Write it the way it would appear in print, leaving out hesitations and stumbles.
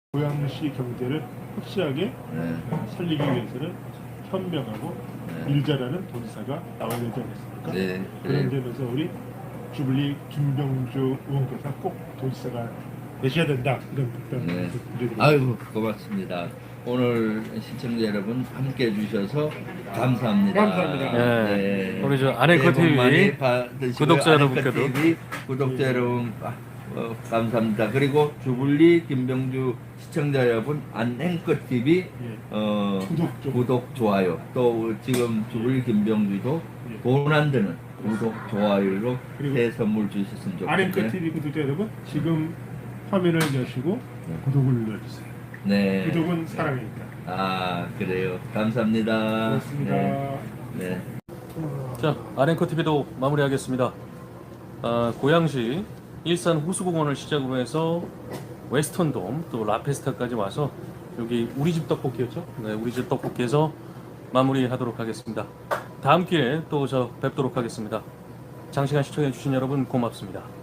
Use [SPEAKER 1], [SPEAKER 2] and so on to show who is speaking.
[SPEAKER 1] 고양시 경제를 확실하게 살리기 위해서는 현명하고 일자라는 도지사가 나와야 되지 않겠습니까?
[SPEAKER 2] 네,
[SPEAKER 1] 그런 점에서 우리 주블리 김병주 의원께서 꼭 도지사가 되셔야 된다, 이런 답변을 드리겠습니다.
[SPEAKER 2] 아이고, 고맙습니다. 오늘 시청자 여러분 함께 해주셔서 감사합니다.
[SPEAKER 1] 감사합니다.
[SPEAKER 3] 네. 우리 저 아네커
[SPEAKER 2] 새해 복 많이
[SPEAKER 3] TV
[SPEAKER 2] 받으시고요.
[SPEAKER 3] 구독자
[SPEAKER 2] 아네커
[SPEAKER 3] 여러분께도.
[SPEAKER 2] TV 구독자 여러분 감사합니다. 그리고 주블리 김병주 시청자 여러분, 안앵커 TV 구독 좋아요. 또 지금 주블리 김병주도 돈 안 드는 구독 좋아요로 새 선물 주셨으면 좋겠네요.
[SPEAKER 1] 아네커 TV 구독자 여러분, 지금 화면을 여시고 구독을 눌러주세요.
[SPEAKER 2] 네.
[SPEAKER 1] 구독은 사랑입니다.
[SPEAKER 2] 아, 그래요. 감사합니다.
[SPEAKER 1] 고맙습니다.
[SPEAKER 2] 네.
[SPEAKER 3] 자, 아랭커 TV도 마무리하겠습니다. 고양시 일산 호수공원을 시작으로 해서 웨스턴돔 또 라페스타까지 와서 여기 우리집 떡볶이였죠? 네, 우리집 떡볶이에서 마무리하도록 하겠습니다. 다음 기회에 또 뵙도록 하겠습니다. 장시간 시청해주신 여러분 고맙습니다.